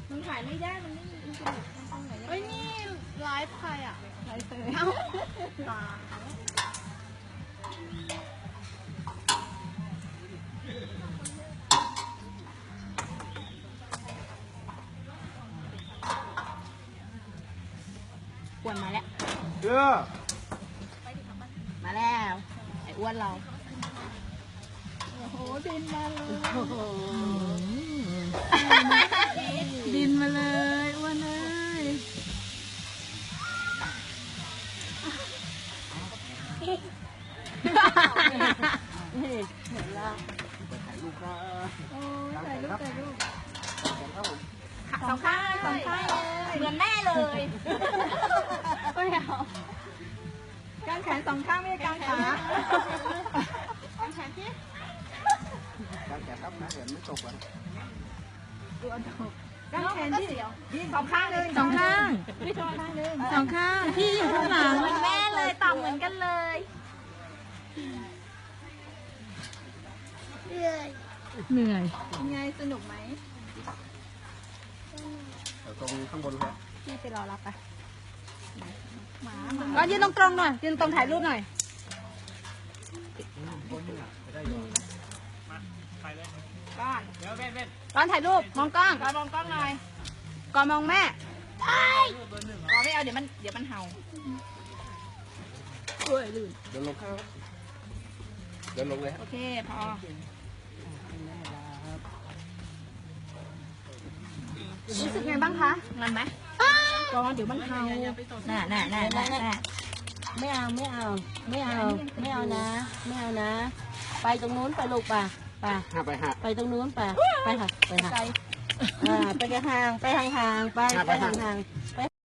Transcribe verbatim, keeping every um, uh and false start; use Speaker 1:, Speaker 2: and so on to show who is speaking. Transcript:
Speaker 1: มันถ่ายไม่ได้มันไม่มีอินเทอร์เน็ตตรงไหนเฮ้ยนี่ไลฟ์ใครอ่ะไลฟ์เตยเอ้าตาอ้วนมาแล้วเออมาแล้วไอ้อ้วนเราโอ้โหบินมาเลยบินมาเลยอ้วนเลยเห็นแล้วไปถ่ายรูปนะโอ้ถ่ายรูปถ่ายรูปสองข้างสองข้างเลยเหมือนแม่เลยไม่เอากางแขนสองข้างไม่ใช่กางขากางแขนที่กางแขนครับนะเดี๋ยวไม่ตกอ่ะตัวตกกางแขนที่สองข้างเลยสองข้างไม่สองข้างเลยสองข้างพี่อยู่ข้างหลังเหมือนแม่เลยต่ำเหมือนกันเลยเหนื่อยเหนื่อยไงสนุกไหมตรงข้างบนครับพี่ไปรอรับไปหมาก็ยืนตรงตรงหน่อยยืนตรงถ่ายรูปหน่อยก้อนเดี๋ยวเว้นเว้นก้อนถ่ายรูปมองกล้องก้อนมองกล้องหน่อยก้อนมองแม่ก้อนไม่เอาเดี๋ยวมันเดี๋ยวมันเห่าเฮ้ยลื่นเดินลงข้างเดินลงเลยโอเคพอรู้สึกไงบ้างคะงานไหมก้อนเดี๋ยวมันเห่าน่ะน่ะน่ะน่ะ
Speaker 2: ไม่เอาไม่เอาไม่เอาไม่เอานะไม่เอานะไปตรงนู้นไปลูกป่ะป่ะไปไปตรงนู้นป่ะไปค่ะไปค่ะไปห่างไปห่างไปห่างไปไปห่าง